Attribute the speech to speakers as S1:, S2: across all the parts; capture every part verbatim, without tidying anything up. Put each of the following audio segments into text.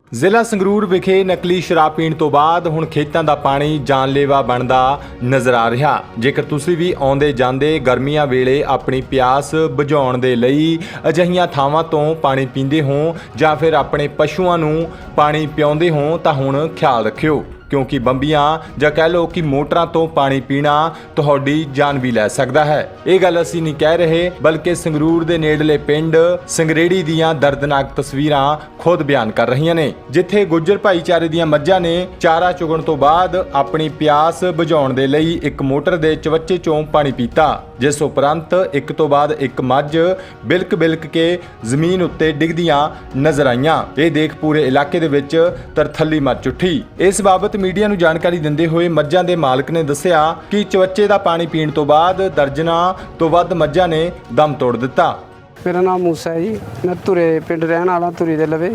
S1: ਜ਼ਿਲ੍ਹਾ ਸੰਗਰੂਰ ਵਿਖੇ ਨਕਲੀ ਸ਼ਰਾਬ ਪੀਣ ਤੋਂ ਬਾਅਦ ਹੁਣ ਖੇਤਾਂ ਦਾ ਪਾਣੀ ਜਾਨਲੇਵਾ ਬਣਦਾ ਨਜ਼ਰ ਆ ਰਿਹਾ। ਜੇਕਰ ਤੁਸੀਂ ਵੀ ਆਉਂਦੇ ਜਾਂਦੇ ਗਰਮੀਆਂ ਵੇਲੇ ਆਪਣੀ ਪਿਆਸ ਬੁਝਾਉਣ ਦੇ ਲਈ ਅਜਿਹੀਆਂ ਥਾਵਾਂ ਤੋਂ ਪਾਣੀ ਪੀਂਦੇ ਹੋ ਜਾਂ ਫਿਰ ਆਪਣੇ ਪਸ਼ੂਆਂ ਨੂੰ ਪਾਣੀ ਪਿਆਉਂਦੇ ਹੋ ਤਾਂ ਹੁਣ ਖਿਆਲ ਰੱਖਿਓ, क्योंकि ਬੰਬੀਆਂ ਜਾਂ ਕਹਿ ਲਓ ਕਿ ਮੋਟਰਾਂ ਤੋਂ ਪਾਣੀ ਪੀਣਾ ਤੁਹਾਡੀ ਜਾਨ ਵੀ ਲੈ ਸਕਦਾ ਹੈ। ਇਹ ਗੱਲ ਅਸੀਂ ਨਹੀਂ ਕਹਿ ਰਹੇ, ਬਲਕਿ ਸੰਗਰੂਰ ਦੇ ਨੇੜਲੇ ਪਿੰਡ ਸੰਗਰੇੜੀ ਦੀਆਂ ਦਰਦਨਾਕ ਤਸਵੀਰਾਂ ਖੁਦ ਬਿਆਨ ਕਰ ਰਹੀਆਂ ਨੇ, ਜਿੱਥੇ ਗੁੱਜਰ ਭਾਈਚਾਰੇ ਦੀਆਂ ਮੱਝਾਂ ਨੇ ਚਾਰਾ ਚੁਗਣ ਤੋਂ ਬਾਅਦ ਆਪਣੀ ਪਿਆਸ ਬੁਝਾਉਣ ਦੇ ਲਈ ਇੱਕ ਮੋਟਰ ਦੇ ਚਵੱਚੇ ਚੋਂ ਪਾਣੀ ਪੀਤਾ, ਜਿਸ ਉਪਰੰਤ ਇੱਕ ਤੋਂ ਬਾਅਦ ਇੱਕ ਮੱਝ ਬਿਲਕ ਬਿਲਕ ਕੇ ਜ਼ਮੀਨ ਉੱਤੇ ਡਿੱਗਦੀਆਂ ਨਜ਼ਰ ਆਈਆਂ। ਇਹ ਦੇਖ ਪੂਰੇ ਇਲਾਕੇ ਦੇ ਵਿੱਚ ਤਰਥੱਲੀ ਮਚ ਉੱਠੀ। ਇਸ ਬਾਬਤ ਮੀਡੀਆ ਨੂੰ ਜਾਣਕਾਰੀ ਦਿੰਦੇ ਹੋਏ ਮੱਝਾਂ ਦੇ ਮਾਲਕ ਨੇ ਦੱਸਿਆ ਕਿ ਚਵੱਚੇ ਦਾ ਪਾਣੀ ਪੀਣ ਤੋਂ ਬਾਅਦ ਦਰਜਨਾਂ ਤੋਂ ਵੱਧ ਮੱਝਾਂ ਨੇ ਦਮ ਤੋੜ ਦਿੱਤਾ।
S2: ਮੇਰਾ ਨਾਮ ਮੂਸਾ ਹੈ ਜੀ, ਮੈਂ ਧੁਰੇ ਪਿੰਡ ਰਹਿਣ ਵਾਲਾ, ਧੁਰੀ ਦੇ ਲਵੇ।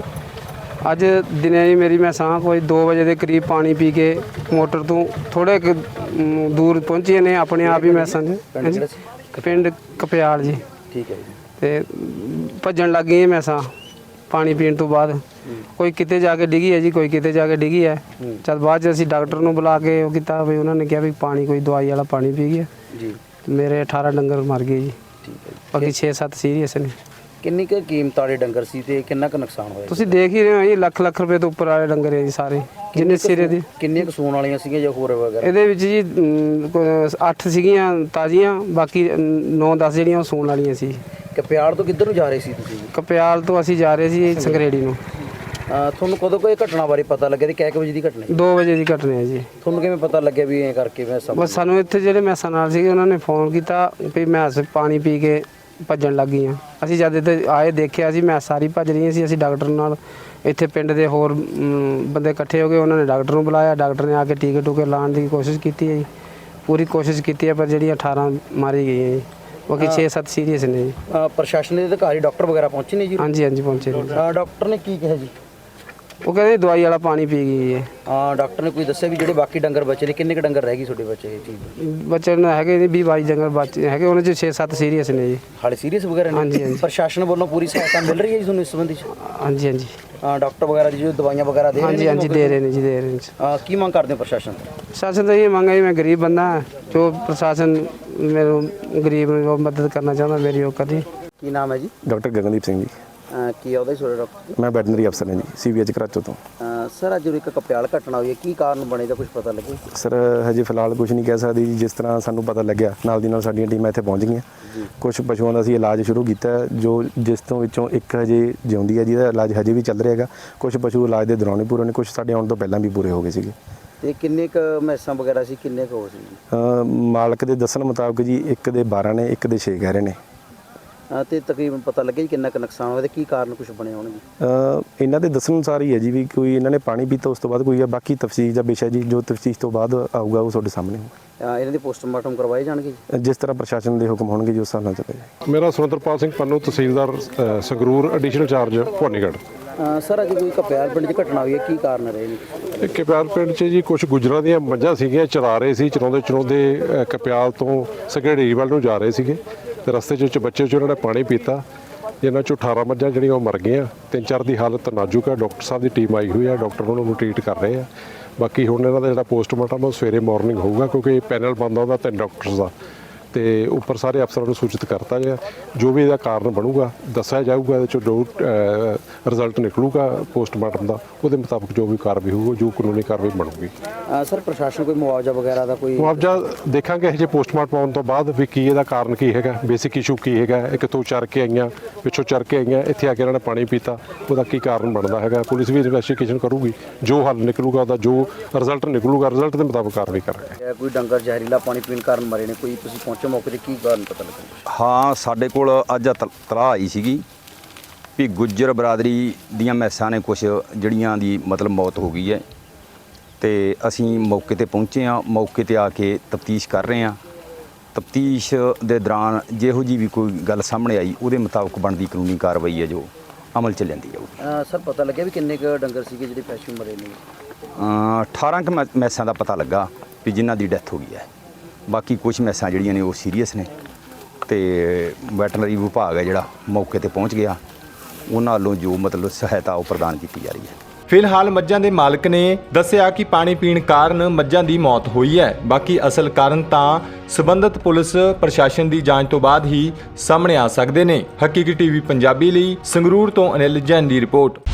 S2: ਅੱਜ ਦਿਨੇ ਜੀ ਮੇਰੀ ਮੈਂ ਸਾਂ ਕੋਈ ਦੋ ਵਜੇ ਦੇ ਕਰੀਬ ਪਾਣੀ ਪੀ ਕੇ ਮੋਟਰ ਤੋਂ ਥੋੜੇ ਦੂਰ ਪਹੁੰਚੇ ਨੇ, ਆਪਣੇ ਆਪ ਹੀ ਮੈਂ ਸਮਝ ਪਿੰਡ ਕਪਿਆਲ ਜੀ।
S3: ਠੀਕ ਹੈ ਜੀ।
S2: ਤੇ ਭੱਜਣ ਲੱਗ ਗਈ ਮੈਂ ਸਾਂ ਪਾਣੀ ਪੀਣ ਤੋਂ ਬਾਅਦ। ਕੋਈ ਕਿਤੇ ਜਾ ਕੇ ਡਿੱਗੀ ਹੈ ਜੀ, ਕੋਈ ਕਿਤੇ ਜਾ ਕੇ ਡਿੱਗੀ ਹੈ। ਜਦ ਬਾਅਦ 'ਚ ਅਸੀਂ ਡਾਕਟਰ ਨੂੰ ਬੁਲਾ ਕੇ ਉਹ ਕੀਤਾ ਵੀ ਉਹਨਾਂ ਨੇ ਕਿਹਾ ਵੀ ਪਾਣੀ ਕੋਈ ਦਵਾਈ ਵਾਲਾ ਪਾਣੀ ਪੀ ਗਿਆ
S3: ਜੀ।
S2: ਮੇਰੇ ਅਠਾਰਾਂ ਡੰਗਰ ਮਰ ਗਏ ਜੀ,
S3: ਠੀਕ ਹੈ।
S2: ਬਾਕੀ ਛੇ ਸੱਤ ਸੀਰੀਅਸ ਨੇ।
S3: ਕਿੰਨੀ ਕੁ ਕੀਮਤ ਵਾਲੇ ਡੰਗਰ ਸੀ ਤੇ ਕਿੰਨਾ ਕੁ ਨੁਕਸਾਨ ਹੋਇਆ?
S2: ਤੁਸੀਂ ਦੇਖ ਹੀ ਰਹੇ ਹੋ ਜੀ, ਲੱਖ ਲੱਖ ਰੁਪਏ ਤੋਂ ਉੱਪਰ ਵਾਲੇ ਡੰਗਰ ਹੈ ਜੀ ਸਾਰੇ, ਜਿੰਨੇ ਸਿਰੇ ਦੇ।
S3: ਕਿੰਨੀਆਂ ਕੁ ਸੂਣ ਵਾਲੀਆਂ ਸੀਗੀਆਂ ਜਾਂ ਹੋਰ ਵਗੈਰਾ?
S2: ਇਹਦੇ ਵਿੱਚ ਜੀ ਅਮ, ਕੋਈ ਅੱਠ ਸੀਗੀਆਂ ਤਾਜ਼ੀਆਂ, ਬਾਕੀ ਨੌ ਦਸ ਜਿਹੜੀਆਂ ਉਹ ਸੂਣ ਵਾਲੀਆਂ ਸੀ।
S3: ਕਪਿਆਲ ਤੋਂ ਕਿੱਧਰ ਨੂੰ ਜਾ ਰਹੇ ਸੀ ਤੁਸੀਂ?
S2: ਕਪਿਆਲ ਤੋਂ ਅਸੀਂ ਜਾ ਰਹੇ ਸੀ ਸੰਗਰੇੜੀ ਨੂੰ।
S3: ਅਹ ਤੁਹਾਨੂੰ ਕਦੋਂ ਕੋਈ ਘਟਨਾ ਬਾਰੇ ਪਤਾ ਲੱਗਿਆ ਤੇ ਕਿੰਨੇ ਕੁ ਵਜੇ ਦੀ ਘਟਨਾ?
S2: ਦੋ ਵਜੇ ਦੀ ਘਟਨਾ ਹੈ ਜੀ।
S3: ਤੁਹਾਨੂੰ ਕਿਵੇਂ ਪਤਾ ਲੱਗਿਆ ਵੀ ਐਂ ਕਰਕੇ ਮੈਂ ਸਭ?
S2: ਬਸ ਸਾਨੂੰ ਇੱਥੇ ਜਿਹੜੇ ਮੈਸਾਂ ਨਾਲ ਸੀਗੇ ਉਹਨਾਂ ਨੇ ਫੋਨ ਕੀਤਾ ਵੀ ਮੈਸ ਪਾਣੀ ਪੀ ਕੇ ਭੱਜਣ ਲੱਗ ਗਈਆਂ। ਅਸੀਂ ਜਦ ਇੱਥੇ ਆਏ ਦੇਖਿਆ ਸੀ ਮੈਸ ਸਾਰੀ ਭੱਜ ਰਹੀਆਂ ਸੀ। ਅਸੀਂ ਡਾਕਟਰ ਨਾਲ ਇੱਥੇ ਪਿੰਡ ਦੇ ਹੋਰ ਅਮ, ਬੰਦੇ ਇਕੱਠੇ ਹੋ ਗਏ, ਉਹਨਾਂ ਨੇ ਡਾਕਟਰ ਨੂੰ ਬੁਲਾਇਆ। ਡਾਕਟਰ ਨੇ ਆ ਕੇ ਟੀਕੇ ਟੂਕੇ ਲਾਉਣ ਦੀ ਕੋਸ਼ਿਸ਼ ਕੀਤੀ ਹੈ ਜੀ, ਪੂਰੀ ਕੋਸ਼ਿਸ਼ ਕੀਤੀ ਹੈ, ਪਰ ਜਿਹੜੀਆਂ ਅਠਾਰਾਂ ਮਾਰੀ ਗਈਆਂ ਜੀ, ਬਾਕੀ ਛੇ ਸੱਤ ਸੀਰੀਅਸ ਨੇ ਜੀ।
S3: ਅਹ ਪ੍ਰਸ਼ਾਸਨ ਦੇ ਅਧਿਕਾਰੀ ਡਾਕਟਰ ਵਗੈਰਾ ਪਹੁੰਚੇ ਨੇ ਜੀ?
S2: ਹਾਂਜੀ ਹਾਂਜੀ ਪਹੁੰਚੇ ਨੇ।
S3: ਅਹ ਡਾਕਟਰ ਨੇ ਕੀ ਕਿਹਾ ਜੀ?
S2: ਉਹ ਕਹਿੰਦੇ ਦਵਾਈ ਵਾਲਾ ਪਾਣੀ ਪੀ ਗਈ ਹੈ।
S3: ਹਾਂ, ਡਾਕਟਰ ਨੇ ਕੋਈ ਦੱਸਿਆ ਵੀ ਜਿਹੜੇ ਬਾਕੀ ਡੰਗਰ ਬਚੇ ਨੇ ਕਿੰਨੇ ਕੁ ਡੰਗਰ ਰਹਿ ਗਏ ਤੁਹਾਡੇ ਬੱਚੇ? ਇਹ ਚੀਜ਼
S2: ਬੱਚੇ ਨੂੰ ਹੈਗੇ ਜੀ ਵੀਹ ਬਾਈ ਡੰਗਰ ਬੱਚੇ ਹੈਗੇ, ਉਹਨਾਂ 'ਚ ਛੇ ਸੱਤ ਸੀਰੀਅਸ ਨੇ ਜੀ।
S3: ਹਾਲੇ ਸੀਰੀਅਸ ਵਗੈਰਾ ਨੇ?
S2: ਹਾਂਜੀ, ਹਾਂਜੀ।
S3: ਪ੍ਰਸ਼ਾਸਨ ਵੱਲੋਂ ਪੂਰੀ ਸਹਾਇਤਾ ਮਿਲ ਰਹੀ ਹੈ ਜੀ ਤੁਹਾਨੂੰ ਇਸ ਸੰਬੰਧੀ 'ਚ?
S2: ਹਾਂਜੀ ਹਾਂਜੀ
S3: ਹਾਂ, ਡਾਕਟਰ ਵਗੈਰਾ ਦੀ ਜੋ ਦਵਾਈਆਂ ਵਗੈਰਾ ਦੇ ਰਹੇ ਨੇ?
S2: ਹਾਂਜੀ ਹਾਂਜੀ ਦੇ ਰਹੇ ਨੇ ਜੀ, ਦੇ ਰਹੇ ਨੇ।
S3: ਅਹ ਕੀ ਮੰਗ ਕਰਦੇ ਹੋ ਪ੍ਰਸ਼ਾਸਨ ਤੋਂ?
S2: ਪ੍ਰਸ਼ਾਸਨ ਤਾਂ ਇਹ ਮੰਗ ਹੈ ਜੀ, ਮੈਂ ਗਰੀਬ ਬੰਦਾ ਹਾਂ, ਜੋ ਪ੍ਰਸ਼ਾਸਨ ਮੈਨੂੰ ਗਰੀਬ ਨੂੰ ਮਦਦ ਕਰਨਾ ਚਾਹੁੰਦਾ ਮੇਰੀ ਉਹ ਕਰੀ।
S3: ਕੀ ਨਾਮ ਹੈ ਜੀ?
S4: ਡਾਕਟਰ ਗਗਨਦੀਪ ਸਿੰਘ ਜੀ।
S3: ਅਹ ਕੀ ਆਉਂਦਾ ਜੀ ਤੁਹਾਡਾ ਡਾਕਟਰ?
S4: ਮੈਂ ਵੈਟਰਨਰੀ ਅਫਸਰ ਹਾਂ ਜੀ, ਸੀਵੀਐਚ ਕਰਾਚੋ ਤੋਂ।
S3: ਅਹ ਸਰ, ਅੱਜ ਇੱਕ ਕਪਿਆਲ ਘਟਨਾ ਹੋਈ ਹੈ, ਕੀ ਕਾਰਨ ਬਣੇ ਦਾ ਕੁਝ ਪਤਾ ਲੱਗੇ?
S4: ਸਰ ਹਜੇ ਫਿਲਹਾਲ ਕੁਝ ਨਹੀਂ ਕਹਿ ਸਕਦੀ ਜੀ। ਜਿਸ ਤਰ੍ਹਾਂ ਸਾਨੂੰ ਪਤਾ ਲੱਗਿਆ ਨਾਲ ਦੀ ਨਾਲ ਸਾਡੀਆਂ ਟੀਮਾਂ ਇੱਥੇ ਪਹੁੰਚ ਗਈਆਂ। ਕੁਝ ਪਸ਼ੂਆਂ ਦਾ ਅਸੀਂ ਇਲਾਜ ਸ਼ੁਰੂ ਕੀਤਾ ਹੈ, ਜੋ ਜਿਸ ਤੋਂ ਵਿੱਚੋਂ ਇੱਕ ਹਜੇ ਜਿਉਂਦੀ ਹੈ, ਜਿਹਦਾ ਇਲਾਜ ਹਜੇ ਵੀ ਚੱਲ ਰਿਹਾ ਹੈਗਾ। ਕੁਝ ਪਸ਼ੂ ਇਲਾਜ ਦੇ ਦੌਰਾਨ ਹੀ ਪੂਰੇ ਨੇ, ਕੁਝ ਸਾਡੇ ਆਉਣ ਤੋਂ ਪਹਿਲਾਂ ਵੀ ਪੂਰੇ ਹੋ ਗਏ ਸੀਗੇ।
S3: ਤੇ ਕਿੰਨੇ ਕੁ ਮੈਸਾਂ ਵਗੈਰਾ ਸੀ, ਕਿੰਨੇ ਕੁ ਹੋ ਸੀ?
S4: ਅ, ਮਾਲਕ ਦੇ ਦੱਸਣ ਮੁਤਾਬਕ ਜੀ ਇੱਕ ਦੇ ਬਾਰਾਂ ਨੇ, ਇੱਕ ਦੇ ਛੇ ਕਹਿ ਰਹੇ ਨੇ।
S3: ਤੇ ਤਕਰੀਬਨ ਪਤਾ ਲੱਗਿਆ ਜੀ ਕਿੰਨਾ ਕੁ ਨੁਕਸਾਨ ਹੋਇਆ ਤੇ ਕੀ ਕਾਰਨ ਕੁਝ ਬਣੇ ਹੋਣਗੇ?
S4: ਅ, ਇਹਨਾਂ ਦੇ ਦੱਸਣ ਅਨੁਸਾਰ ਹੀ ਹੈ ਜੀ ਵੀ ਕੋਈ ਇਹਨਾਂ ਨੇ ਪਾਣੀ ਪੀਤਾ, ਉਸ ਤੋਂ ਬਾਅਦ ਕੋਈ ਹੈ। ਬਾਕੀ ਤਫਸੀਰ ਦਾ ਵਿਸ਼ਾ ਜੀ, ਜੋ ਤਫਸੀਰ ਤੋਂ ਬਾਅਦ ਆਊਗਾ ਉਹ ਤੁਹਾਡੇ ਸਾਹਮਣੇ ਹੋਊਗਾ।
S3: ਇਹਨਾਂ ਦੇ ਪੋਸਟਮਾਰਟਮ ਕਰਵਾਏ ਜਾਣਗੇ ਜੀ?
S4: ਜਿਸ ਤਰ੍ਹਾਂ ਪ੍ਰਸ਼ਾਸਨ ਦੇ ਹੁਕਮ ਹੋਣਗੇ ਜੀ ਉਸ ਹਿਸਾਬ ਨਾਲ ਚੱਲੇਗਾ।
S5: ਮੇਰਾ ਸੁਰਿੰਦਰਪਾਲ ਸਿੰਘ ਪੰਨੂ, ਤਹਿਸੀਲਦਾਰ ਅ, ਸੰਗਰੂਰ, ਐਡੀਸ਼ਨਲ ਚਾਰਜ ਭਵਾਨੀਗੜ੍ਹ।
S3: ਅਹ ਸਰ, ਅੱਜ ਕੋਈ ਕਪਿਆਲ ਪਿੰਡ 'ਚ ਘਟਨਾ ਹੋਈ ਹੈ, ਕੀ ਕਾਰਨ ਰਹੇ ਨੇ?
S5: ਇਹ ਕਪਿਆਲ ਪਿੰਡ 'ਚ ਜੀ ਕੁਝ ਗੁੱਜਰਾਂ ਦੀਆਂ ਮੱਝਾਂ ਸੀਗੀਆਂ, ਚਰਾ ਰਹੇ ਸੀ। ਚਰਾਉਂਦੇ ਚਰਾਉਂਦੇ ਅ, ਕਪਿਆਲ ਤੋਂ ਸੰਘੇੜੀ ਵੱਲ ਨੂੰ ਜਾ ਰਹੇ ਸੀਗੇ ਤੇ ਰਸਤੇ 'ਚ ਬੱਚੇ 'ਚ ਉਹਨਾਂ ਨੇ ਪਾਣੀ ਪੀਤਾ, ਜਿਨ੍ਹਾਂ 'ਚੋਂ ਅਠਾਰਾਂ ਮੱਝਾਂ ਜਿਹੜੀਆਂ ਉਹ ਮਰ ਗਈਆਂ। ਤਿੰਨ ਚਾਰ ਦੀ ਹਾਲਤ ਨਾਜ਼ੁਕ ਹੈ। ਡਾਕਟਰ ਸਾਹਿਬ ਦੀ ਟੀਮ ਆਈ ਹੋਈ ਹੈ, ਡਾਕਟਰ ਉਹਨਾਂ ਨੂੰ ਟ੍ਰੀਟ ਕਰ ਰਹੇ ਆ। ਬਾਕੀ ਹੁਣ ਇਹਨਾਂ ਦਾ ਜਿਹੜਾ ਪੋਸਟਮਾਰਟਮ ਉਹ ਸਵੇਰੇ ਮਾਰਨਿੰਗ ਹੋਊਗਾ, ਕਿਉਂਕਿ ਪੈਨਲ ਬਣਦਾ ਉਹਦਾ ਤਿੰਨ ਡਾਕਟਰਸ ਦਾ, ਤੇ ਉੱਪਰ ਸਾਰੇ ਅਫਸਰਾਂ ਨੂੰ ਸੂਚਿਤ ਕਰਤਾ ਗਿਆ। ਜੋ ਵੀ ਇਹਦਾ ਕਾਰਨ ਬਣੂਗਾ ਦੱਸਿਆ ਜਾਊਗਾ। ਇਹਦੇ 'ਚੋਂ ਜੋ ਰਿਜ਼ਲਟ ਨਿਕਲੂਗਾ ਪੋਸਟਮਾਰਟਮ ਦਾ, ਉਹਦੇ ਮੁਤਾਬਕ ਜੋ ਵੀ ਕਾਰਵਾਈ ਹੋਊਗੀ, ਜੋ ਕਾਨੂੰਨੀ ਕਾਰਵਾਈ ਬਣੂਗੀ।
S3: ਸਰ, ਪ੍ਰਸ਼ਾਸਨ ਕੋਈ ਮੁਆਵਜ਼ਾ ਵਗੈਰਾ ਦਾ ਕੋਈ?
S5: ਮੁਆਵਜ਼ਾ ਦੇਖਾਂਗੇ ਇਹ ਜੇ ਪੋਸਟਮਾਰਟਮ ਆਉਣ ਤੋਂ ਬਾਅਦ ਵੀ ਕੀ ਇਹਦਾ ਕਾਰਨ ਕੀ ਹੈਗਾ, ਬੇਸਿਕ ਇਸ਼ੂ ਕੀ ਹੈਗਾ, ਇਹ ਕਿੱਥੋਂ ਚਰ ਕੇ ਆਈਆਂ, ਪਿੱਛੋਂ ਚਰ ਕੇ ਆਈਆਂ, ਇੱਥੇ ਆ ਕੇ ਇਹਨਾਂ ਨੇ ਪਾਣੀ ਪੀਤਾ, ਉਹਦਾ ਕੀ ਕਾਰਨ ਬਣਦਾ ਹੈਗਾ। ਪੁਲਿਸ ਵੀ ਇਨਵੈਸਟੀਗੇਸ਼ਨ ਕਰੂਗੀ, ਜੋ ਹੱਲ ਨਿਕਲੂਗਾ ਉਹਦਾ ਜੋ ਰਿਜ਼ਲਟ ਨਿਕਲੂਗਾ, ਰਿਜ਼ਲਟ ਦੇ ਮੁਤਾਬਕ ਕਾਰਵਾਈ ਕਰਾਂਗੇ।
S3: ਕੋਈ ਡੰਗਰ ਜ਼ਹਿਰੀਲਾ ਪਾਣੀ ਪੀਣ ਕਾਰਨ ਮਰੇ ਨੇ, ਕੋਈ ਤੁਸੀਂ ਪਹੁੰਚੇ ਮੌਕੇ ਤੇ, ਕੀ ਕਾਰਨ ਪਤਾ ਲੱਗਾ?
S6: ਹਾਂ, ਸਾਡੇ ਕੋਲ ਅੱਜ ਤਲਾਹ ਆਈ ਸੀਗੀ ਵੀ ਗੁੱਜਰ ਬਰਾਦਰੀ ਦੀਆਂ ਮੈਸਾਂ ਨੇ ਕੁਛ ਜਿਹੜੀਆਂ ਦੀ ਮਤਲਬ ਮੌਤ ਹੋ ਗਈ ਹੈ, ਤੇ ਅਸੀਂ ਮੌਕੇ ਤੇ ਪਹੁੰਚੇ ਹਾਂ। ਮੌਕੇ ਤੇ ਆ ਕੇ ਤਫਤੀਸ਼ ਕਰ ਰਹੇ ਹਾਂ। ਤਫਤੀਸ਼ ਦੇ ਦੌਰਾਨ ਜਿਹੋ ਜੀ ਵੀ ਕੋਈ ਗੱਲ ਸਾਹਮਣੇ ਆਈ, ਉਹਦੇ ਮੁਤਾਬਕ ਬਣਦੀ ਕਾਨੂੰਨੀ ਕਾਰਵਾਈ ਹੈ ਜੋ ਅਮਲ 'ਚ ਲਿਆਂਦੀ ਜਾਊਗੀ।
S3: ਸਰ, ਪਤਾ ਲੱਗਿਆ ਵੀ ਕਿੰਨੇ ਕੁ ਡੰਗਰ ਸੀਗੇ ਜਿਹੜੇ ਪਸ਼ੂ ਮਰੇ ਨੇ?
S6: ਅਠਾਰਾਂ ਕੁ ਮੈ- ਮੈਸਾਂ ਦਾ ਪਤਾ ਲੱਗਾ ਵੀ ਜਿਨ੍ਹਾਂ ਦੀ ਡੈਥ ਹੋ ਗਈ ਹੈ। ਬਾਕੀ ਕੁਝ ਮੈਸਾਂ ਜਿਹੜੀਆਂ ਨੇ ਉਹ ਸੀਰੀਅਸ ਨੇ, ਤੇ ਵੈਟਰਨਰੀ ਵਿਭਾਗ ਹੈ ਜਿਹੜਾ ਮੌਕੇ ਤੇ ਪਹੁੰਚ ਗਿਆ, ਉਹਨਾਂ ਵੱਲੋਂ ਜੋ ਮਤਲਬ ਸਹਾਇਤਾ ਉਹ ਪ੍ਰਦਾਨ ਕੀਤੀ ਜਾ ਰਹੀ ਹੈ।
S1: ਫਿਲਹਾਲ ਮੱਝਾਂ ਦੇ ਮਾਲਕ ਨੇ ਦੱਸਿਆ ਕਿ ਪਾਣੀ ਪੀਣ ਕਾਰਨ ਮੱਝਾਂ ਦੀ ਮੌਤ ਹੋਈ ਹੈ। ਬਾਕੀ ਅਸਲ ਕਾਰਨ ਤਾਂ ਸਬੰਧਤ ਪੁਲਿਸ ਪ੍ਰਸ਼ਾਸਨ ਦੀ ਜਾਂਚ ਤੋਂ ਬਾਅਦ ਹੀ ਸਾਹਮਣੇ ਆ ਸਕਦੇ ਨੇ। ਹਕੀਕੀ ਟੀਵੀ ਪੰਜਾਬੀ ਲਈ ਸੰਗਰੂਰ ਤੋਂ ਅਨਿਲ ਜੈਨ ਦੀ ਰਿਪੋਰਟ।